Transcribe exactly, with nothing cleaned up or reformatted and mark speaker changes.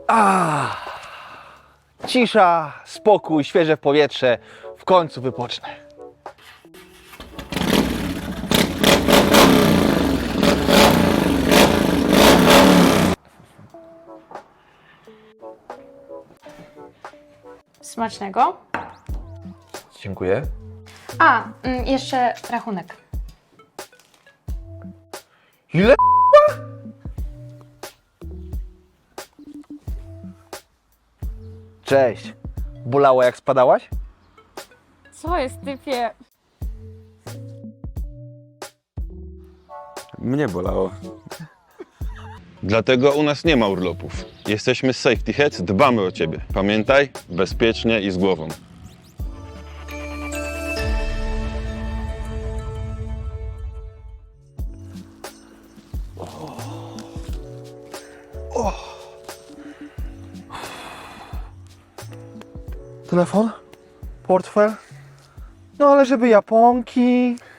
Speaker 1: A, cisza, spokój, świeże powietrze. W końcu wypocznę.
Speaker 2: Smacznego.
Speaker 1: Dziękuję.
Speaker 2: A, mm, jeszcze rachunek.
Speaker 1: Ile? Cześć. Bolało jak spadałaś?
Speaker 2: Co jest, typie?
Speaker 3: Mnie bolało.
Speaker 4: Dlatego u nas nie ma urlopów. Jesteśmy z Safety Heads, dbamy o ciebie. Pamiętaj, bezpiecznie i z głową.
Speaker 1: Telefon? Portfel? No ale żeby japonki.